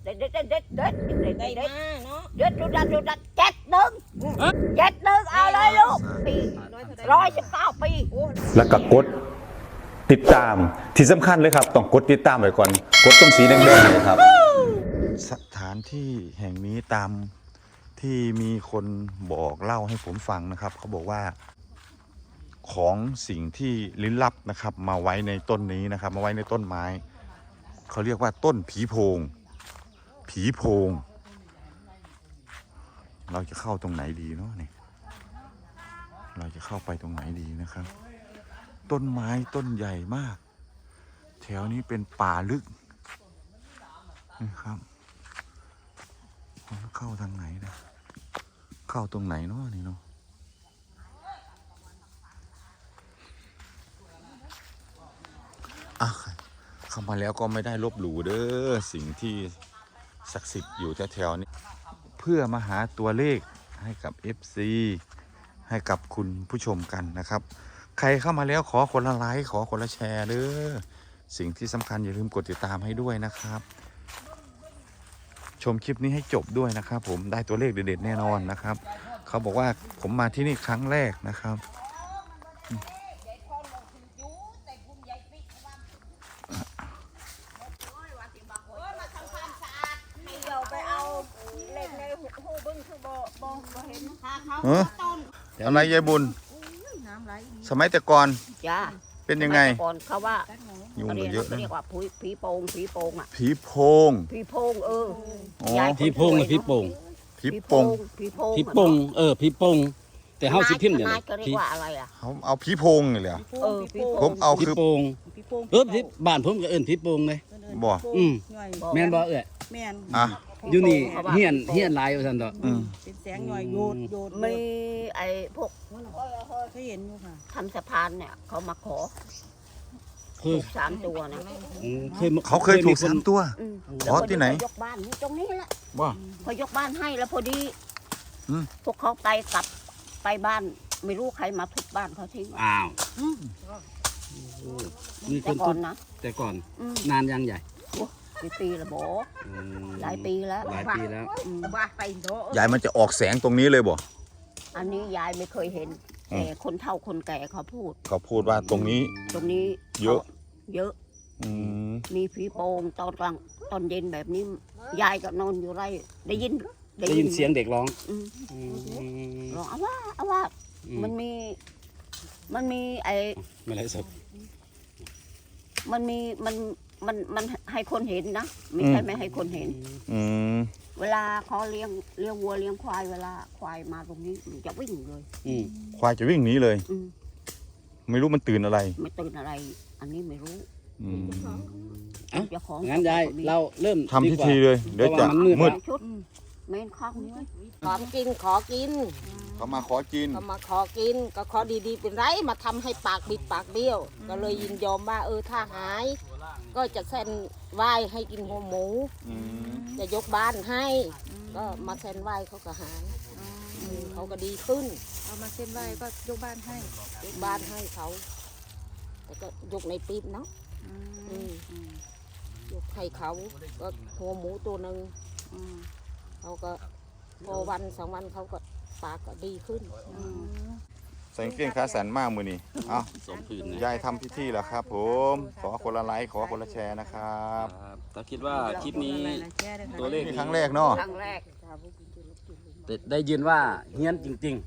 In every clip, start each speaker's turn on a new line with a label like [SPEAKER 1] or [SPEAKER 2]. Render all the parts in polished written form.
[SPEAKER 1] เด็ดเด็ดเด็ดเด็ดเด็ดเด็ด
[SPEAKER 2] ได้
[SPEAKER 1] เด็ด
[SPEAKER 2] มาเนาะ
[SPEAKER 1] เด็ดจุด7-1เอาเลยลูกปี119 ปี
[SPEAKER 3] แล้วก็กดติดตามที่สำคัญเลยครับต้องกดติดตามไว้ก่อนกดตรงสีแดงๆเลยครับสถานที่แห่งนี้ตามที่มีคนบอกเล่าให้ผมฟังนะครับเขาบอกว่าของสิ่งที่ลี้ลับนะครับมาไว้ในต้นนี้นะครับมาไว้ในต้นไม้เขาเรียกว่าต้นผีโพงเราจะเข้าตรงไหนดีเนาะนี่เราจะเข้าไปตรงไหนดีนะครับ ต้นไม้ต้นใหญ่มากแถวนี้เป็นป่าลึกนะครับเข้าทางไหนนะเข้าตรงไหนเนาะนี่เนาะเข้ามาแล้วก็ไม่ได้ลบหลู่เด้อสิ่งที่ศักดิ์สิทธิ์อยู่แถวๆนี้เพื่อมาหาตัวเลขให้กับ FC ให้กับคุณผู้ชมกันนะครับใครเข้ามาแล้วขอคนละไลค์ขอคนละแชร์เด้อสิ่งที่สำคัญอย่าลืมกดติดตามให้ด้วยนะครับชมคลิปนี้ให้จบด้วยนะครับผมได้ตัวเลขเด็ดๆแน่นอนนะครับเขาบอกว่าผมมาที่นี่ครั้งแรกนะครับอะไรยายบุญสมัยแต่ก่อน
[SPEAKER 1] จ้า
[SPEAKER 3] เป็นยังไง
[SPEAKER 1] ก่อนเขาว่า
[SPEAKER 3] ยุงมันเยอะนะ
[SPEAKER 1] เรียกว่าผีโพงอ่ะ
[SPEAKER 3] ผีโพง
[SPEAKER 1] ผีโพง
[SPEAKER 3] อ๋อย
[SPEAKER 1] าย
[SPEAKER 4] ผีโพงหรือผีโป่ง
[SPEAKER 3] ผีโพง
[SPEAKER 1] ผีโพง
[SPEAKER 4] ผีโป่งผีโป่งแต่เฮาสิพิมพ์เนี่ย
[SPEAKER 1] นายก็เรียกว่าอะไรอ่ะ
[SPEAKER 3] เขาเอาผีโพงนี่เลยเหรอ
[SPEAKER 1] ผีโพ
[SPEAKER 3] ผ
[SPEAKER 1] ง
[SPEAKER 3] มเอา
[SPEAKER 4] ผี
[SPEAKER 3] คือ
[SPEAKER 4] โป่งที่บ้านผมก็เอิ้นผีโป่งเลย
[SPEAKER 3] บ่
[SPEAKER 4] แม่นบ่เอ้ย
[SPEAKER 2] แม่น
[SPEAKER 3] อ่ะ
[SPEAKER 4] อยู่นี่เฮียนหลายว่าซั่นดอก
[SPEAKER 2] เป็นแสงหน่อยโยด
[SPEAKER 1] มีไอ้พวก
[SPEAKER 2] เคยเห็นอยู่ค่ะ
[SPEAKER 1] ทำสะพานเนี่ยเขามาขอ
[SPEAKER 4] คือ
[SPEAKER 1] ถูก3 ตัวนะ
[SPEAKER 3] เขาเคยถูก3 ตัว ขอที่ไหน
[SPEAKER 1] ยกบ้านตรงนี้แหละ
[SPEAKER 3] บ่
[SPEAKER 1] พอยกบ้านให้แล้วพอดี
[SPEAKER 3] อืม
[SPEAKER 1] พวกเขากลับไปบ้านไม่รู้ใครมาทุบบ้านเขาทิ้ง
[SPEAKER 4] อ้าวมีค
[SPEAKER 1] แต่
[SPEAKER 4] น
[SPEAKER 1] ก่
[SPEAKER 4] ทุ
[SPEAKER 1] อน
[SPEAKER 4] บ
[SPEAKER 1] นะ
[SPEAKER 4] แต่ก่อน
[SPEAKER 1] อืม
[SPEAKER 4] นานยังใหญ่
[SPEAKER 1] กี่ปีละโบหลายปีแล้ว
[SPEAKER 4] หลายปีแล้ว
[SPEAKER 2] บ้าไปโต
[SPEAKER 3] ยายมันจะออกแสงตรงนี้เลยบ่
[SPEAKER 1] อันนี้ยายไม่เคยเห็นแต่คนเฒ่าคนแก่เขาพูด
[SPEAKER 3] เขาพูดว่าตรงนี้
[SPEAKER 1] ตรงนี้
[SPEAKER 3] เยอะ
[SPEAKER 1] เยอะ
[SPEAKER 3] อืม
[SPEAKER 1] มีผีโป่งตอนกลางตอนเย็นแบบนี้ ยายก็นอนอยู่ไรได้ยิน
[SPEAKER 4] ได้ยินเสียงเด็กร้อง
[SPEAKER 1] ร้องเอาว่ามันมีไอ้
[SPEAKER 4] ไม่ไรสด
[SPEAKER 1] มันให้คนเห็นนะไม่ใช่ไม่ให้คนเห็น
[SPEAKER 3] อืม
[SPEAKER 1] เวลาเขาเลี้ยงวัวเลี้ยงควายเวลาควายมาตรงนี้มันจะวิ่งเลย
[SPEAKER 3] ควายจะวิ่งหนีเลย
[SPEAKER 1] อืม
[SPEAKER 3] ไม่รู้มันตื่นอะไร
[SPEAKER 1] ไม่ตื่นอะไร อันนี้ไม่รู้
[SPEAKER 3] อืม
[SPEAKER 1] เจ้าของ
[SPEAKER 4] งั้นยายเราเริ่ม
[SPEAKER 3] ทำพิธีเลยเดี๋ยวจะมืด
[SPEAKER 1] ชุดเมนข้างนี้
[SPEAKER 2] ขอกินขอกิน
[SPEAKER 3] เขามาขอกิน
[SPEAKER 2] ก็มาขอกินก็ขอดีๆเป็นไรมาทำให้ปากบิดปากเบี้ยว ก็เลยยินยอมว่าถ้าหาย ก็จะเส้นไหว้ให้กินหัวหมู จะยกบ้านให้ ก็มาเส้นไหว้เขาก็หายเขาก็ดีขึ้น
[SPEAKER 5] เอามาเส้นไหว้ก็ยกบ้านให้
[SPEAKER 2] ยกบ้านให้เขา แต่ก็ยกในปีบเนาะยกให้เขาก็หัวหมูตัวหนึ่งเขาก็พอวัน2 วันเขาก็ปากก็ดีขึ้น
[SPEAKER 3] ใส่กางเกงขาสั้นมากมือนี่เอา
[SPEAKER 4] สมผืนนะ
[SPEAKER 3] ยายทำพิธีแล้วครับ ผมขอคนละไลค์ขอคนละแชร์นะครับ
[SPEAKER 4] เราคิดว่าคลิปนี้ตัวเลข
[SPEAKER 3] นี่ครั้งแรกเนาะ
[SPEAKER 1] ครั้งแรก
[SPEAKER 4] ได้ยินว่าเฮี้ยนจริง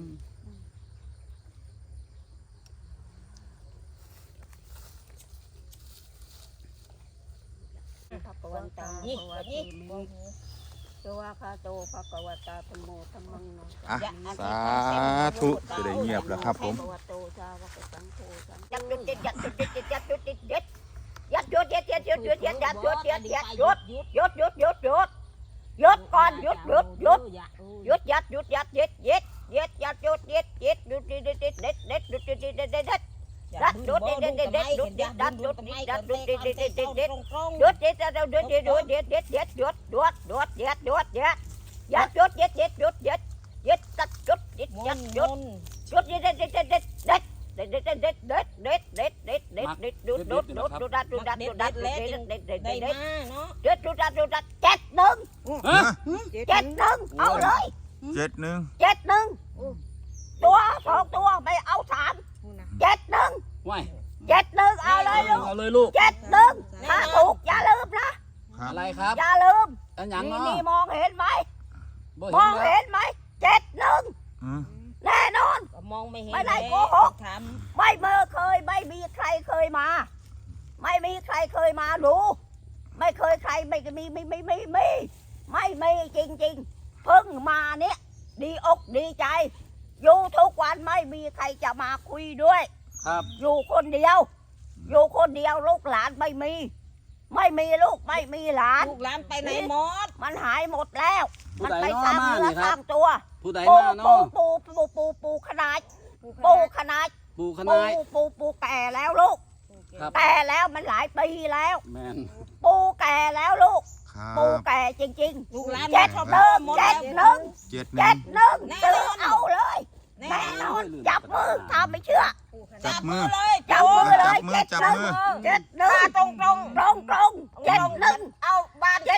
[SPEAKER 1] พระกวันตาภวะเตมิตัวคาโตภะกวตาธรรมโมธัมมังโน
[SPEAKER 3] อ่ะสาธุจะได้เงียบแล้วครับผม
[SPEAKER 1] ยัดยุดเด็ดยัดยุดเด็ดยัดยุดเด็ดเด็ดยัดยุดเด็ดยัดยุดเด็ดยัดยัดยุดเด็ดยัดยุดยุดยุดก่อนยุดยัดยุดยัดเด็ดเด็ดเด็ดยัดยุดเด็ดเด็ดยุดเด็ดเด็ดเด็ดเด็ดเด็ดยุดเด็ดเด็ดเด็ดเด็ดยัดยุดเด็ดเด็ดเด็ดเด็ดยุดเด็ดยัดยุดยัดยุดเด็ดเด็ดเด็ดเด็ดเด็ดยุดเด็ดเราเด็ดเด็ดยุดเด็ดเด็ดเด็ดยุดยุดยุดยัดยุดยัดยัดยุดเด็ดเด็ดยุดยัดยัดตัดยุดยัดยัดยุดยุดเด็ดเด็ดเด็ดเด็ดเด็ดเด็ดเด็ดเด็ดเด็ดเด็ดเด็ดเด็ดเด็ดเด็ดเด็ดดูดัดดูดัดดูดัดดูดัดดูดัดเด็ดเด็ดเด็ดเด็ด
[SPEAKER 2] ได้
[SPEAKER 1] เด็ด
[SPEAKER 2] มาเนาะ
[SPEAKER 1] เด็ดดูดัด7-1
[SPEAKER 3] ฮะ
[SPEAKER 1] 71เอาเลย
[SPEAKER 3] 71
[SPEAKER 1] 71ตัว2ตัวไม่เอา3 71
[SPEAKER 4] ว้าย
[SPEAKER 1] 71เอาเลยลูก
[SPEAKER 4] เอาเลยลูก
[SPEAKER 1] 71ถ้าถูกอย่าลืมนะ
[SPEAKER 4] อะไรครับ
[SPEAKER 1] อย่าลืม
[SPEAKER 4] อันหยัง
[SPEAKER 1] นี่
[SPEAKER 4] เนาะ
[SPEAKER 1] นี่มองเห็นไหม
[SPEAKER 4] บ่
[SPEAKER 1] มอง
[SPEAKER 4] เห็นแล้ว
[SPEAKER 1] เห็นไหม71
[SPEAKER 3] อืม
[SPEAKER 1] แน่นอน
[SPEAKER 2] ก็มองไม่เห็น
[SPEAKER 1] ไม่ได้โกหก
[SPEAKER 2] ถาม
[SPEAKER 1] ไม่ไม่มีใครเคยมา ไม่มีใครเคยมาดูไม่เคยใครไม่มีจริงๆเพิ่งมาเนี่ยดีอกดีใจ อยู่ทุกวันไม่มีใครจะมาคุยด้วย
[SPEAKER 4] ครับ
[SPEAKER 1] อยู่คนเดียว อยู่คนเดียวลูกหลานไม่มีลูกไม่มีหลาน
[SPEAKER 2] ลูกหลานไปไหนหมด
[SPEAKER 1] มันหายหมดแล้ว
[SPEAKER 4] ผู้
[SPEAKER 1] มัน
[SPEAKER 4] ใด
[SPEAKER 1] ไป
[SPEAKER 4] เนาะ
[SPEAKER 1] สร้าง
[SPEAKER 4] มา
[SPEAKER 1] เนื้อ
[SPEAKER 4] นี่
[SPEAKER 1] ส
[SPEAKER 4] ครั
[SPEAKER 1] ร้า
[SPEAKER 4] บ
[SPEAKER 1] งตัว
[SPEAKER 4] ผู้ใด
[SPEAKER 1] ปู
[SPEAKER 4] มาเนาะ
[SPEAKER 1] ปูขนาด
[SPEAKER 2] ปู
[SPEAKER 1] ปูขนาด
[SPEAKER 4] ปู่ข
[SPEAKER 1] ปู
[SPEAKER 4] นาย
[SPEAKER 1] ปูแก่แล้วลูก
[SPEAKER 4] ครับ
[SPEAKER 1] แก่แล้วมันหลายปีแล้ว
[SPEAKER 4] แมน
[SPEAKER 1] ปูแก่แล้วลูก
[SPEAKER 3] ครับ
[SPEAKER 1] ปูแก่จริง
[SPEAKER 2] ลูกหลาน
[SPEAKER 1] ๆ71
[SPEAKER 3] 71
[SPEAKER 1] ซื้อเอาเลยแน่นอนจับมือถ้าไม่เชื่อ
[SPEAKER 3] จับมือ
[SPEAKER 2] เลย
[SPEAKER 1] จับมือเลย
[SPEAKER 3] จับมือ
[SPEAKER 1] 71ตรง71เอาบ้าน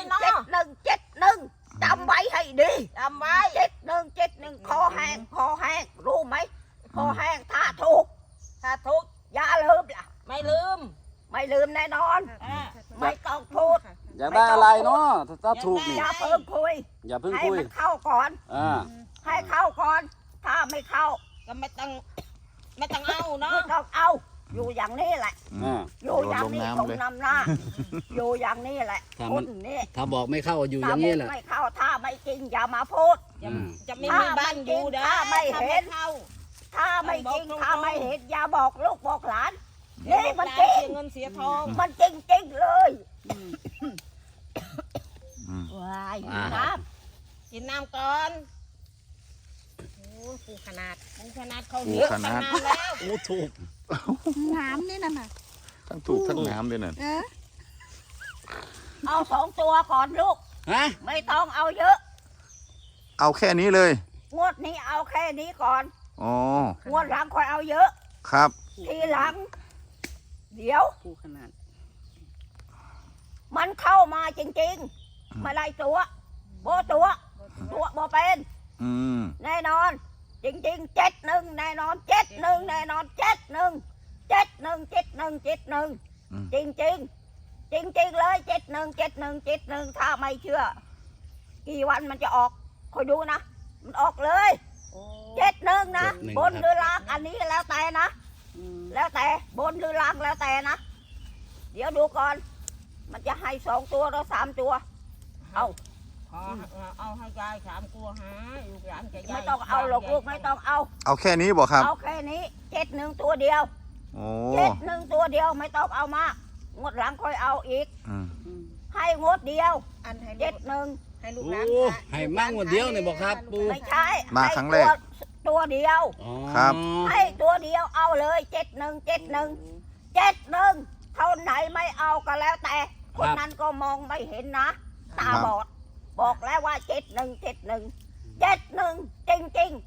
[SPEAKER 1] 71จำไว้ให้ดี
[SPEAKER 2] จำไว้
[SPEAKER 1] 71คอแห้งรู้ไหมคอแห้งถ้าถูก
[SPEAKER 2] ถ้าทุกข์
[SPEAKER 1] อย่าลืมล่ะ
[SPEAKER 2] ไม่ลืม
[SPEAKER 1] ไม่ลืมแน่นอน ไม่ต้องพูด
[SPEAKER 4] อยากได้อะไรเนาะถ้าถูกนี่
[SPEAKER 1] อย่าเพิ่งคุย
[SPEAKER 4] อย่าเพิ่ง
[SPEAKER 1] ให้
[SPEAKER 4] คุย
[SPEAKER 1] มันเข้าก่อน
[SPEAKER 4] อ่า
[SPEAKER 1] ให้เข้าก่อน ถ้าไม่เข้า
[SPEAKER 2] ก็ไม่ต้องเอาเนาะ
[SPEAKER 1] ไม่ต้องเอา อยู่อย่างนี้แหละ
[SPEAKER 4] อ่า
[SPEAKER 1] อยู่อย่างนี้
[SPEAKER 3] โด
[SPEAKER 1] ตร
[SPEAKER 3] ด
[SPEAKER 1] ง
[SPEAKER 3] ลงน้ำเลย
[SPEAKER 1] นำหน้า อยู่อย่างนี้แหละ
[SPEAKER 4] ถ้า
[SPEAKER 1] ค
[SPEAKER 4] มัน
[SPEAKER 1] นนี้
[SPEAKER 4] ถ้าบอกไม่เข้าอยู่อ
[SPEAKER 1] ถ้า
[SPEAKER 4] ย่างนี้แหละ
[SPEAKER 1] ไม่เข้าถ้าไม่จริงอย่ามาพูด
[SPEAKER 2] จะไม่มีบ้านอยู่เด้อ
[SPEAKER 1] ถ้าไม่เห็น
[SPEAKER 2] เข้า
[SPEAKER 1] ถ้าไม่จริง
[SPEAKER 2] ต้องบอกตรงๆ
[SPEAKER 1] ถ้าไม่เห็นอย่าบอกลูกบอกหลาน
[SPEAKER 2] เดี๋ยว
[SPEAKER 1] นี่
[SPEAKER 2] ลูก
[SPEAKER 1] มัน
[SPEAKER 2] หลาน
[SPEAKER 1] จริง
[SPEAKER 2] เสียเงินเสียทอง
[SPEAKER 1] มันจริงเลย
[SPEAKER 3] อืม
[SPEAKER 1] ว้าย
[SPEAKER 4] อ่า
[SPEAKER 1] นะ
[SPEAKER 2] กินน้ำก่อนโอ้ปูขนาดเขา
[SPEAKER 3] ปู
[SPEAKER 2] เยอะ
[SPEAKER 3] ขนาด
[SPEAKER 2] ขนาดแล้ว
[SPEAKER 4] โอ้ถูก
[SPEAKER 5] น้ำนี่น่ะ
[SPEAKER 3] ทั้งถูกทั้งน้ำด้วยนั่น
[SPEAKER 1] เอา2 ตัวก่อนลูก
[SPEAKER 4] ฮะ
[SPEAKER 1] ไม่ต้องเอาเยอะ
[SPEAKER 3] เอาแค่นี้เลย
[SPEAKER 1] งวดนี้เอาแค่นี้ก่อน
[SPEAKER 3] อ๋อ
[SPEAKER 1] งวดหลังค่อยเอาเยอะ
[SPEAKER 3] ครับ
[SPEAKER 1] ทีหลัง เดี๋ยว
[SPEAKER 2] ปูขนาด
[SPEAKER 1] มันเข้ามาจริงๆไม่ได้ตัวโบตัวโบเป็น
[SPEAKER 3] อืม
[SPEAKER 1] แน่นอน จริงๆ71แน่นอน71แน่นอน71จริงจริงเลย71ถ้าไม่เชื่อ กี่วันมันจะออกคอยดูนะ มันออกเลย71นะบนหรือล่างอันนี้แล้วแต่นะ แล้วแต่บนหรือล่างแล้วแต่นะ เดี๋ยวดูก่อน มันจะให้2 ตัวหรือ3 ตัว
[SPEAKER 2] เอาให้ยาย3 ตัวหาลูกหลานจะยาย
[SPEAKER 1] ไม่ต้องเอาหรอกลูกไม่ต้องเอา
[SPEAKER 3] เอาแค่นี้บอกครับ
[SPEAKER 1] เอาแค่นี้71ตัวเดียว
[SPEAKER 3] โอ้
[SPEAKER 1] 71ตัวเดียวไม่ต้องเอามากงวดหลังค่อยเอาอีก
[SPEAKER 3] อืม
[SPEAKER 1] ให้งวดเดียว
[SPEAKER 5] อันให้
[SPEAKER 1] 71
[SPEAKER 5] ให้ลูก
[SPEAKER 4] โอ้
[SPEAKER 5] หลาน
[SPEAKER 4] ให้มั่งวันเดียวเนี่ยบอกครับปู่
[SPEAKER 1] ไม่ใช่
[SPEAKER 3] มาครั้งแรก
[SPEAKER 1] ให้ตัวเดียว
[SPEAKER 4] อ๋อ
[SPEAKER 3] ครับ
[SPEAKER 1] ให้ตัวเดียวเอาเลย71เท่าไหนไม่เอาก็แล้วแต่ คนนั้นก็มองไม่เห็นนะ ตาบอด บอกแล้วว่า71จริง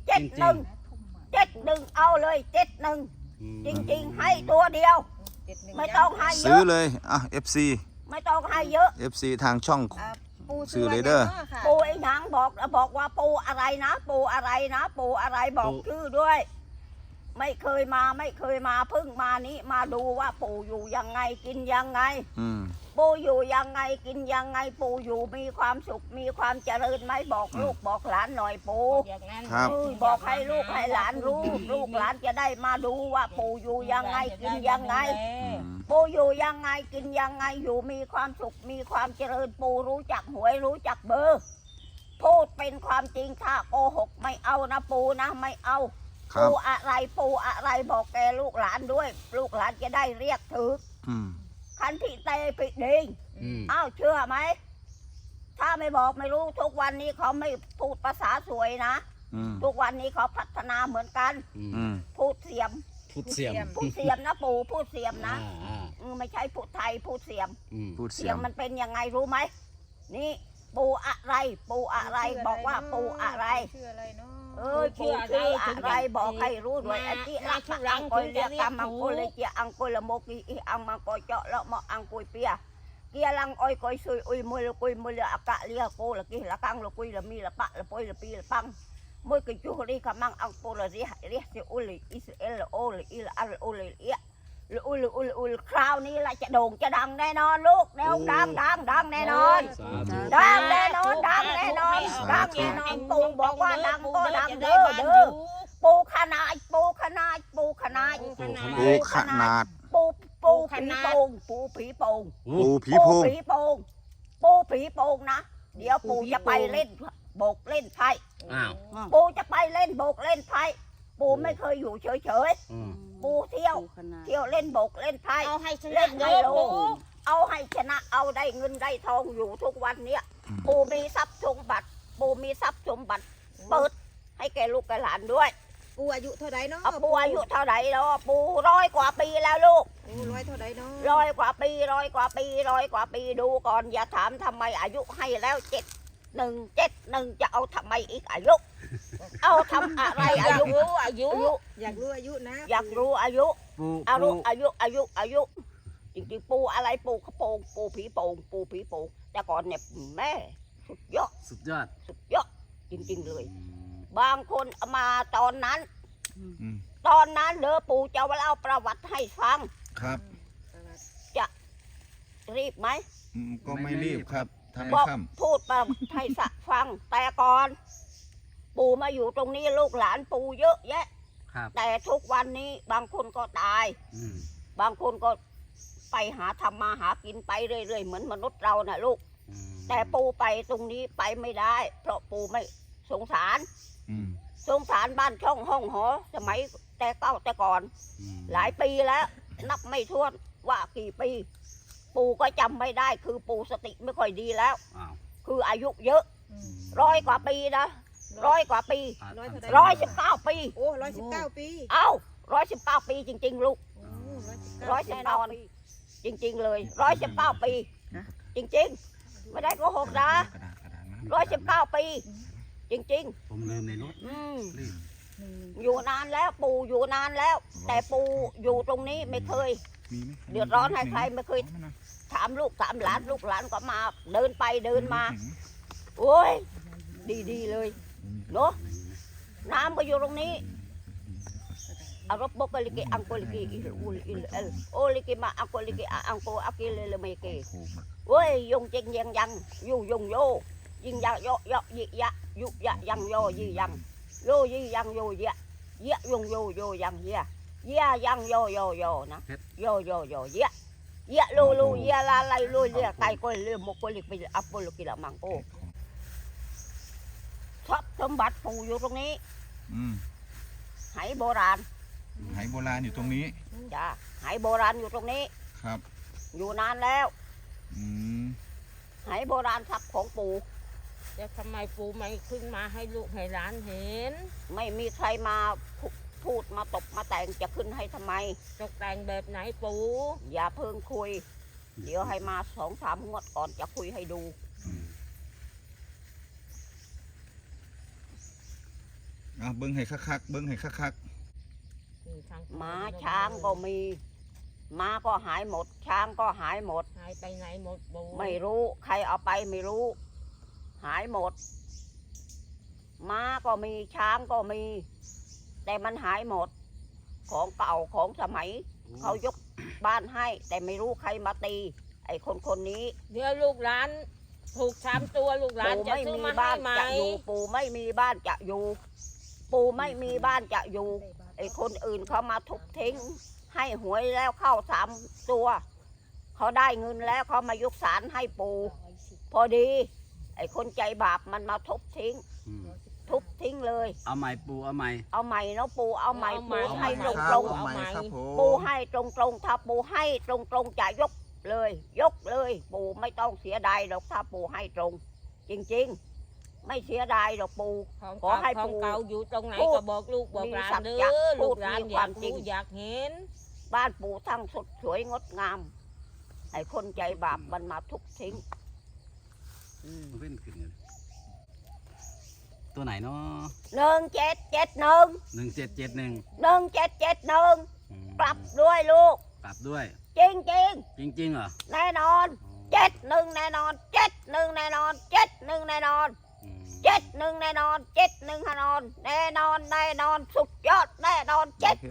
[SPEAKER 1] 71เอาเลย71จริงๆให้ตัวเดียว ไม่ต้องให้เย
[SPEAKER 3] ซื้อ
[SPEAKER 1] อะ
[SPEAKER 3] เลยอ่ะ FC
[SPEAKER 1] ไม่ต้องให้เยอะ
[SPEAKER 3] FC ทางช่อง
[SPEAKER 5] ปู
[SPEAKER 3] ซื้อเลยเด้อ
[SPEAKER 1] ปูไอ้หนังบอกว่าปูอะไรนะ ปูอะไรบอกชื่อด้วย ไม่เคยมาเพิ่งมานี้มาดูว่าปูอยู่ยังไงกินยังไง
[SPEAKER 3] อืม
[SPEAKER 1] ปูอยู่ยังไงกินยังไงปูอยู่มีความสุขมีความเจริญไหมบอกลูกบอกหลานหน่อยปู
[SPEAKER 2] อย่างนั้น
[SPEAKER 3] ครับ
[SPEAKER 1] บอกให้ลูกให้หลานรู้ ลูกหลานจะได้มาดูว่าปูอยู่ยังไงกินยังไง
[SPEAKER 3] อืม
[SPEAKER 1] ปูอยู่ยังไงกินยังไงอยู่มีความสุขมีความเจริญปูรู้จักหวยรู้จักเบอร์ พูดเป็นความจริงถ้าโกหกไม่เอานะปูนะไม่เอา
[SPEAKER 3] ครั
[SPEAKER 1] ปู
[SPEAKER 3] บ
[SPEAKER 1] อะไรบอกแกลูกหลานด้วย ลูกหลานจะได้เรียกถือ
[SPEAKER 3] อืม
[SPEAKER 1] คันที่เตปิดดิง
[SPEAKER 4] อืม
[SPEAKER 1] อ้าวเชื่อไหมถ้าไม่บอกไม่รู้ทุกวันนี้เขาไม่พูดภาษาสวยนะ
[SPEAKER 3] อืม
[SPEAKER 1] ทุกวันนี้เขาพัฒนาเหมือนกัน
[SPEAKER 3] อืม
[SPEAKER 1] พูดเสียม
[SPEAKER 4] พูดเสียม
[SPEAKER 1] พูดเสียมนะปูพูดเสียมนะ
[SPEAKER 4] อ่า
[SPEAKER 1] ไม่ใช่พูดไทยพูดเสียม
[SPEAKER 4] อืม
[SPEAKER 3] พูดเสี
[SPEAKER 1] เสี
[SPEAKER 3] ย
[SPEAKER 1] ย
[SPEAKER 3] ง
[SPEAKER 1] งมันเป็นยังไงรู้ไหมนี่ปูอะไรบอกว่าปูอะไร
[SPEAKER 5] ชื่ออะไรเนาะ
[SPEAKER 1] ชื่ออะไรบอกให้รู้ด้วยไอ้ที่รักอังกอยเรียกกำมังกุลเลยเจียอังกุลโมกีอีอังมังกอยเจาะเลาะมออังกุยเปีย kia lăng oi coi xui ui môi là cả lia cô là kia là căng là cui là mi là bạ là poi là pi là băng môi cái chú đi cả mang ăn cô là gì thì ui là Israel là ô là y là ar ô là ia là ui crowd này lại chả đồn chả đằng đây non lúc đây không đằng đây non đằng đây nonปูบอกว่าดังก็ดังเด้อปูขนาดปูผีโป่งนะเดี๋ยวปูจะไปเล่นโบกเล่นไพ่ปูจะไปเล่นโบกเล่นไพ่ปูไม่เคยอยู่เฉยปูเที่ยวเล่นโบกเล่นไพ่เล่นไฮโลเอาให้ชนะเอาได้เงินได้ทองอยู่ทุกวันเนี้ยปูมีทรัพย์สมบัติปูมีทรัพย์สมบัติเปิดให้แกลูกแกหลานด้วย
[SPEAKER 5] ปูอายุเท่าไรเนาะ
[SPEAKER 1] ปูอายุเท่าไหร่แล้วปู100 กว่าปีแล้วลูก
[SPEAKER 5] 100 เท่าไรเนาะ
[SPEAKER 1] 100 กว่าปีดูก่อนอย่าถามทำไมอายุให้แล้ว71จะเอาทำไมอีกอายุเอาทำอะไรอายุ
[SPEAKER 5] อยากรู้อายุนะ
[SPEAKER 1] อยากรู้อายุอายุจริงๆปูอะไรปูกระโปรงปูผีโป่งแต่ก่อนเนี่ยแม่สุดยอดจริงๆเลยบางคนมาตอนนั้นเด้อปู่จะเล่าประวัติให้ฟัง
[SPEAKER 3] ครับ
[SPEAKER 1] จะรีบไหม
[SPEAKER 3] ก็ไม่รีบครับ
[SPEAKER 1] บอกพูดประวัติให้ฟังแต่ก่อนปู่มาอยู่ตรงนี้ลูกหลานปู่เยอะแยะแต่ทุกวันนี้บางคนก็ตายบางคนก็ไปทำมาหากินไปเรื่อยๆเหมือนมนุษย์เราน่ะลูกแต่ปู่ไปตรงนี้ไปไม่ได้เพราะปู่ไม่สงสารบ้านช่องห้องหอสมัยแต่ก่อนหลายปีแล้วนับไม่ถ้วนว่ากี่ปีปู่ก็จำไม่ได้คือปู่สติไม่ค่อยดีแล้วคืออายุเยอะ100 กว่าปีนะ100 กว่าปี119 ปี
[SPEAKER 5] โอ้119 ปี
[SPEAKER 1] เอ้า119 ปีจริงๆลูก119 ปีจริงๆเลย119 ปีจริงๆไม่ได้โกหกนะ119 ปีจริง
[SPEAKER 4] ๆผมลืมในรถ
[SPEAKER 1] อยู่นานแล้วปู่อยู่นานแล้วแต่ปู่อยู่ตรงนี้ไม่เคยเดือดร้อนให้ใครไม่เคยถามลูกถามหลานลูกหลานก็มาเดินไปเดินมาโอ้ยดีเลยเนาะน้ำก็อยู่ตรงนี้อารมณ์บกลิกิอังโกลิกิโอลิกิมาอังโกลิกิอังโกอากิเลเมกิโอ้ยยงเจงยังอยู่ยงโยยิงยะโยยิยะยุยะยังโยยิยังโยยิยังโยยะยะยงโยยังยะยังโยนะโยยะลูยะลาไลลูเลียไก่ก้อยเรือมกลิกิอัปโปลกิละมังโกทรัพย์สมบัติปู่อยู่ตรงนี้ไหโบราณ
[SPEAKER 3] อยู่ตรงนี้
[SPEAKER 1] จ้าไหโบราณอยู่ตรงนี้
[SPEAKER 3] ครับ
[SPEAKER 1] อยู่นานแล้วไหโบราณทรัพย์ของปู่
[SPEAKER 2] แต่ทำไมปู่ไม่ขึ้นมาให้ลูกให้หลานเห็น
[SPEAKER 1] ไม่มีใครมาพูดมาตบมาแต่งจะขึ้นให้ทำไม
[SPEAKER 2] ตกแต่งแบบไหนปู่
[SPEAKER 1] อย่าเพิ่งคุยเดี๋ยวให้มา2-3 งวดก่อนจะคุยให้ดู
[SPEAKER 3] เบิ้งให้คัก
[SPEAKER 1] ม้าช้างก็มีม้าก็หายหมดช้างก็หายหมด
[SPEAKER 2] หายไปไหนหมดปู่
[SPEAKER 1] ไม่รู้ใครเอาไปไม่รู้หายหมดม้าก็มีช้างก็มีแต่มันหายหมดของเก่าของสมัยเขายกบ้านให้แต่ไม่รู้ใครมาตีไอ้คนนี้
[SPEAKER 2] เดี๋ยวลูกหลานถูก3 ตัวลูกหลานจะซื้อมาให้ไหม
[SPEAKER 1] ปู่ไม่มีบ้านจะอยู่ปู่ไม่มีบ้านจะอยู่ไอ้คนอื่นเขามาทุบทิ้งให้หวยแล้วเข้า3 ตัวเขาได้เงินแล้วเขามายกศาลให้ปู่พอดีไอ้คนใจบาปมันมาทุบทิ้งเลย
[SPEAKER 4] เอาใหม่ปู่เอาใหม่
[SPEAKER 1] เนาะปู่เอาใหม่ปู่ให้ตรงปู่ให้ตรงถ้าปู่ให้ตรงจะยกเลยปู่ไม่ต้องเสียดายหรอกถ้าปู่ให้ตรงจริงๆไม่เสียดายหรอกปู่ขอให้ปู่
[SPEAKER 2] เก่าอยู่ตรงไหนก็บอกลูกบอกหลานเด้อลูกหลานอยากรู้อยากเห็น
[SPEAKER 1] บ้านปู่ทั้งสดสวยงดงามไอ้คนใจบาปมันมาทุบทิ้ง
[SPEAKER 4] ตัวไหนเนาะ
[SPEAKER 1] 1771 กลับด้วยลูก
[SPEAKER 4] กลับด้วย
[SPEAKER 1] จริง
[SPEAKER 4] เหรอ
[SPEAKER 1] แน่นอน 71แน่นอน71แน่นอน71แน่นอน71แน่นอน71แน่นอนแน่นอนแน่นอนสุดยอดแน่นอน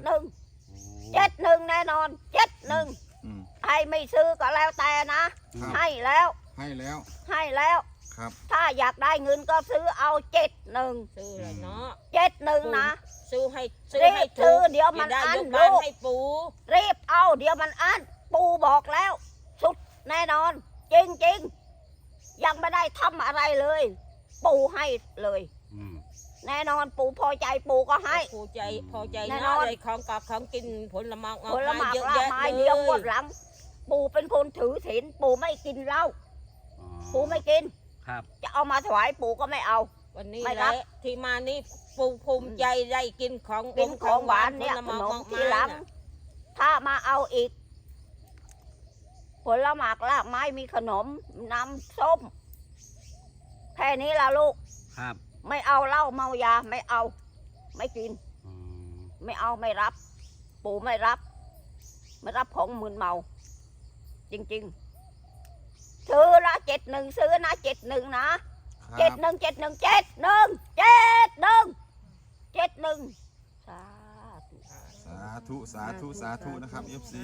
[SPEAKER 1] 71แน่นอน71ให้ไม่ซื้อก็แล้วแต่นะ ให้แล้ว
[SPEAKER 3] ให้แล้ว
[SPEAKER 1] ให้แล้ว
[SPEAKER 3] ครับ
[SPEAKER 1] ถ้าอยากได้เงินก็ซื้อเอา71
[SPEAKER 2] ซื้อเลยเนาะ
[SPEAKER 1] 71นะ
[SPEAKER 2] ซื้อให้
[SPEAKER 1] รีบซื้อเดี๋ยวมัน
[SPEAKER 2] จะได้
[SPEAKER 1] อั้น
[SPEAKER 2] ยกบ้าน
[SPEAKER 1] ลูก
[SPEAKER 2] ให้ปู
[SPEAKER 1] รีบเอาเดี๋ยวมันอั้นปูบอกแล้ว สุดแน่นอน จริงๆ ยังไม่ได้ทำอะไรเลย ปูให้เลย แน่นอนปูพอใจปูก็ให้
[SPEAKER 2] ปูใจพอใจ
[SPEAKER 1] แน่น
[SPEAKER 2] เนาะ
[SPEAKER 1] อน
[SPEAKER 2] เลยของกับของกินผลไม้
[SPEAKER 1] ผลไม้
[SPEAKER 2] เยอะ
[SPEAKER 1] ละ
[SPEAKER 2] แยะ
[SPEAKER 1] ไม้
[SPEAKER 2] เล
[SPEAKER 1] เดียวย หมดหลัง ปูเป็นคนถือศีลปูไม่กินเหล้าปูไม่กิน
[SPEAKER 4] ครับ
[SPEAKER 1] จะเอามาถวายปูก็ไม่เอา
[SPEAKER 2] วันนี้
[SPEAKER 1] ไม่
[SPEAKER 2] แห
[SPEAKER 1] รั
[SPEAKER 2] ละ
[SPEAKER 1] บ
[SPEAKER 2] ที่มานี่ปูภูมิใจได้กินของ
[SPEAKER 1] กินของหวานเนี่ย
[SPEAKER 2] ผล
[SPEAKER 1] ข
[SPEAKER 2] ไม้
[SPEAKER 1] นม
[SPEAKER 2] มาก
[SPEAKER 1] ที
[SPEAKER 2] มาย
[SPEAKER 1] หลัง
[SPEAKER 2] น่ะ
[SPEAKER 1] ถ้ามาเอาอีก ผลหมากลากไม้มีขนมน้ำส้ม แค่นี้ละลูก
[SPEAKER 4] ครับ
[SPEAKER 1] ไม่เอาเหล้าเมายาไม่เอา ไม่กิน ไม่เอาไม่รับ ปู่ไม่รับ ไม่รับของมึนเมา จริงๆซื้อละ71ซื้อนะ71นะ71สาธุ
[SPEAKER 3] สาธุนะครับ FC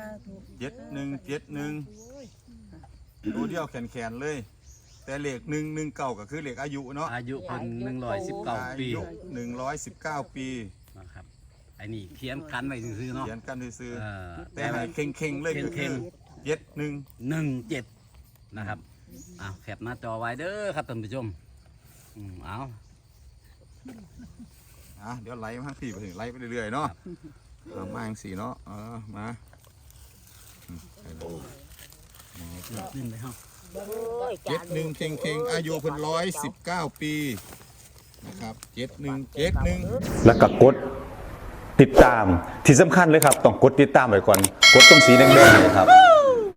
[SPEAKER 3] 71ตัวเดียวแขนเลย แต่เลข119ก็คือเลขอายุเนาะ
[SPEAKER 4] อายุเพิ่น119
[SPEAKER 3] อา
[SPEAKER 4] ปี
[SPEAKER 3] ยุ119 ปี
[SPEAKER 4] นะครับไอ้นี่เขียนกันไว้ซื่อๆเนาะ
[SPEAKER 3] เขียนกันซื้อ
[SPEAKER 4] เออ
[SPEAKER 3] ๆแต่ให้เข่งๆเลยก็คือ71
[SPEAKER 4] 17นะครับอ้าวแคปหน้าจอไว้เด้อครับท่านผู้ชมเอา
[SPEAKER 3] เดี๋ยวไล่มาพี่ไปถึงไล่ไปเรื่อยๆเนาะมาอย่างสี่เนาะมา
[SPEAKER 4] ขึ้นไปเฮา
[SPEAKER 3] 71เข่งๆอายุเพิ่น119 ปีนะครับ71
[SPEAKER 6] แล้วก็กดติดตามที่สำคัญเลยครับ ต้องกดติดตามไว้ก่อน กดตรงสีแดงๆเลยครับ